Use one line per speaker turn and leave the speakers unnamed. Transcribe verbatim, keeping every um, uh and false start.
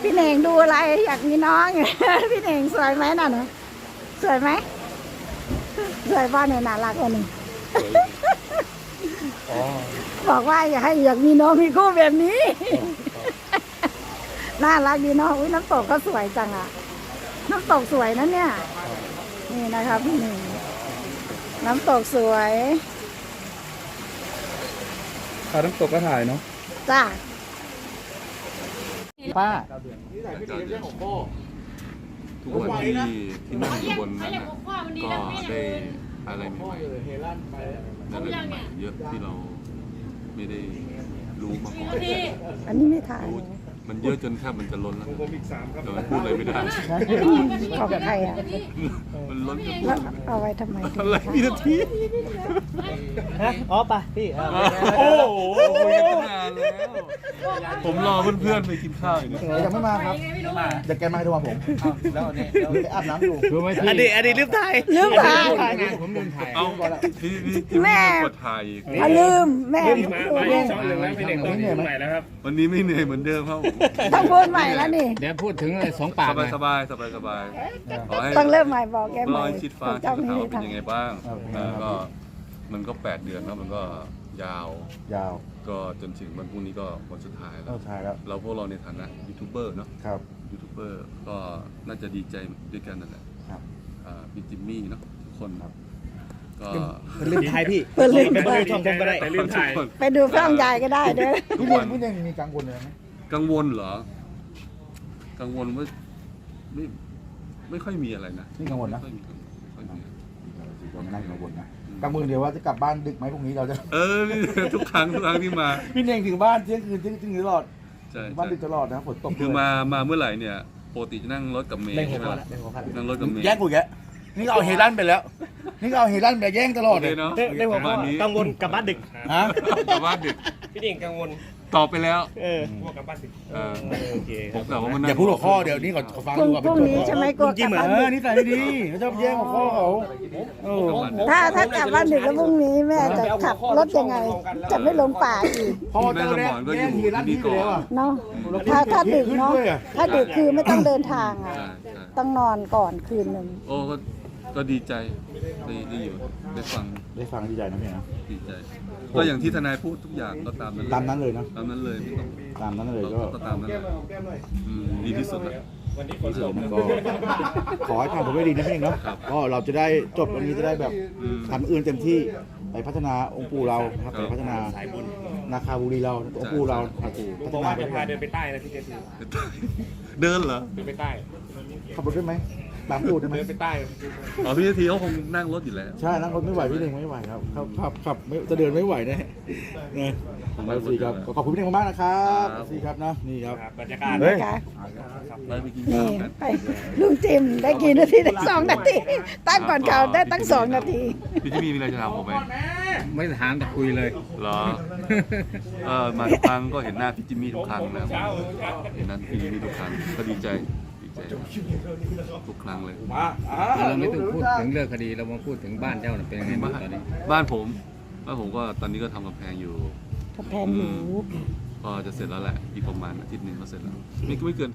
พี่เน่งดูอะไรอยากมีน้อง พี่เน่งสวยไหมน่ะนะสวยไหมสวยป่ะเนี่ยน่ารักกว่านี้ บอกว่าอยากให้อยากมีน้องมีคู่แบบนี้ น่ารักดีเนาะอุ้ยน้ำตกก็สวยจังอะน้ำตกสวยนะเนี่ยนี่นะคะพี่หนึ่งน้ำตกสวย
ถ่ายน้ำตกก็ถ่ายเนาะ
จ้า
ป้า
ทุกวันที่ที่นั่งอยู่บนนั้นนะก็ได้อะไรใหม่ๆได้อะไรใหม่ๆเยอะที่เราไม่ได้รู้มาก่อน
อันนี้ไม่ถ่าย
รู้มันเยอะจนแทบมันจะล้นแล้วแต่มันพูดอะไรไม่ได้
ของใครอ่ะ
มันล้นจนพูด
แล้ว
อะไรไม่ได้
เอาไว้ทำไม
อะไรพี่นาที
ฮะอ๋อไปพี่
โอ้โหคุยกันตั้งนานแล้วผมรอเพื่อนๆไปกินข้าวอยู่เนี่ย
ยังไม่มาครับเดี๋ยวแกมาให้โทรมาผมแล้วนี่ไปอาบน้ำอยู่คือไม่
อดีตอดีตลืมถ่าย
ลืมถ่าย
ผมลืมถ่าย
เอาพี่พี่พี่
แม่
กดถ่ายอีก
อ่ะลืมแม่
มามาช่องหนึ่งแล้วพี่เด็กต้องอยู่ใหม่แล้วครับ
วันนี้ไม่เหนื่อยเหมือนเดิมครับผม
ต้องพูดใหม่แล้วนี่
เดี๋ยวพูดถึงไอ้สองปาก
ส
หน่
บา
อย ย
สบายสบายสบายสบายขอให้
ต้องเริ่มใหม่บอกแกให
ร
ม่
อยชิดฟ้า
เจ้า
ชิด
ไม่
ขาว
ได้
เป็น
ทำ
ยังไงบ้างแล้วก็มันก็แปดเดือนแล้วมันก็ยาว
ยาว
ก็จนถึงวันพรุ่งนี้ก็วันสุดท้ายแล้
เอา
ว
ถ่ายแล้ว
เราพวกเราในฐานะยูทูบเบอร์เนาะ
ครับ
ยูทูบเบอร์ก็น่าจะดีใจด้วยกันนั่นแหละ
ครับ
อ่าพี่จิมมี่เนาะทุกคนก็
ลืมถ่ายพี่
เปิดลืม
ไป
ถ่าย
ดูช่องผมก็ได้แต่ลืมถ่าย
ทุกคน
ไปดูเพื่อนยายก็ได้เด้อ
พี่เน่งพี่เน่งมีกังวลเลยไหม
กังวลเหรอ กังวลว่าไม่ไม่ค่อยมีอะไรนะ
นี่กังวลนะ
ไม่ค่อยมีกังวลไม่ค่อยมีอะไร
ผมนั่งกังวลนะกังวลเดียวว่าจะกลับบ้านดึกไหมพรุ่งนี้เราจะ
เออนี่ทุกครั้งทุกครั้งที่มา
พี่เน่งถึงบ้านเที่ยงคืนเที่ยงคืนตลอด
ใช่
บ้าน
ใช่
ดึกตลอดนะฝนตก
คือมามาเมื่อไหร่เนี่ยปกติจะนั่งรถกับเมย์
เล่นหัว
ใช่ไหม
ข้อ
ล่ะ
ละเล่นหัวข้อละ
นั่งรถกับเมย์
แย่งกูแกนี่ก็เอาเฮลันไปแล้ว นี่ก็เอาเฮลันไปแย่งตลอด
โอ
เล
เค
ย
เนาะ
เล่นหัว
ประ
ข้อ
มาณนี้
กังวลกลับบ้านดึก
ฮะ
แต่ว่าดึก
พี่เด็กกังวล
ตอบไปแล้ว
เออพวกกลับบ้านดึก
เออ
โอเค
ผมกล่าวว่ามัน
อย่าพูดหัวข้อเดี๋ยวนี้ก่อนขอฟัง
พรุ่ง
ดูก่อน
พรุ่งนี้ใช่ไหมกลัวกลับบ้าน
เอ
ดึ
อก นี่ใส่ไม่ดีเขาชอบแย่งหัวข้อเขาเออ
ถ้าถ้ากลับบ้านดึกแล้วพรุ่งนี้แม่จะขับรถยังไง จะไม่ลงป่าอีก
พอเจอแย่งแย่งเฮลันพี่ไปแล้วอ่ะ
เนาะถ้าถ้าดึกเนาะถ้าดึกคือไม่ต้องเดินทางอ่ะ
ใช่ใช่
ต้องนอนก่อนคืนหนึ่ง
โอ้ก็ก็ดีใจได้ได้อยู่ได้ฟัง
ได้ฟังดีใจนะพี่นะ
ดีใจ ก็อย่างที่ทนายพูดทุกอย่างก็ตามนั้น
ตามนั้นเลยเนาะ
ตามนั้นเลยไม่ต้อง
ตามนั้นเลย
เรา
ก็
ก็ตามนั้นแหละอืมดีที่สุดแล้ว
ที่สุดก็ขอให้ทำผมได้ดีนะพี่เองเนาะ
ครับ
ก็เราจะได้จบวันนี้จะได้แบบ
อืม
ทำอื่นเต็มที่ไปพัฒนาองค์ปู่เราครับ
ครับ
ไปพัฒนานาคาบุรีเราองค์ปู่เราครับพัฒ
บอก
นา
ว่า
ไป
จะพาเดินไปใต้นะพี่เจสี
เดินเหรอ
เดินไปใต้
ขับรถได้ไหมตามปู่ได้ไหม
เดินไปใต้
อ๋อพี่นาทีเขาคงนั่งรถอยู่แล้ว
ใช่นั่งรถไม่ไหวพี่เองไม่ไหวครับขับขับขับไม่จะเดินไม่ไหวแน่นะไปสีครับขอบคุณพี่เองมากๆนะครับสีครับนะนี่ครับ
บรรยากาศ
เฮ้ย
นะคะ
ไปไปกิน
นี่
ข้าวกัน
ไปลุงจิมได้กี่นาทีได้สองนาทีตั้งก่อนเขาได้ตั้งสองนาที
พี่จิมมี่มีอะไรจะถามผมไหม
ไม่ถามแต่คุยเลย
เหรอเออมาทุกครั้งก็เห็นหน้าพี่จิมมี่ทุกครั้งนะครับเห็นหน้าพี่จิมมี่ทุกครั้งก็ดีใจดีใจทุกครั้งเลย
เราไม่ต้องพูดถึงเรื่องคดีเรามาพูดถึงบ้านเจ้าน่ะเป็นยังไงบ้าง
บ้าน
ตอนนี้
บ้านผมบ้านผมก็ตอนนี้ก็ทำกำแพงอยู่
กระแพงหมู
ก็จะเสร็จแล้วแหละอีกประมาณอาทิตย์หนึ่งก็เสร็จแล้วไม่ไม่เกิน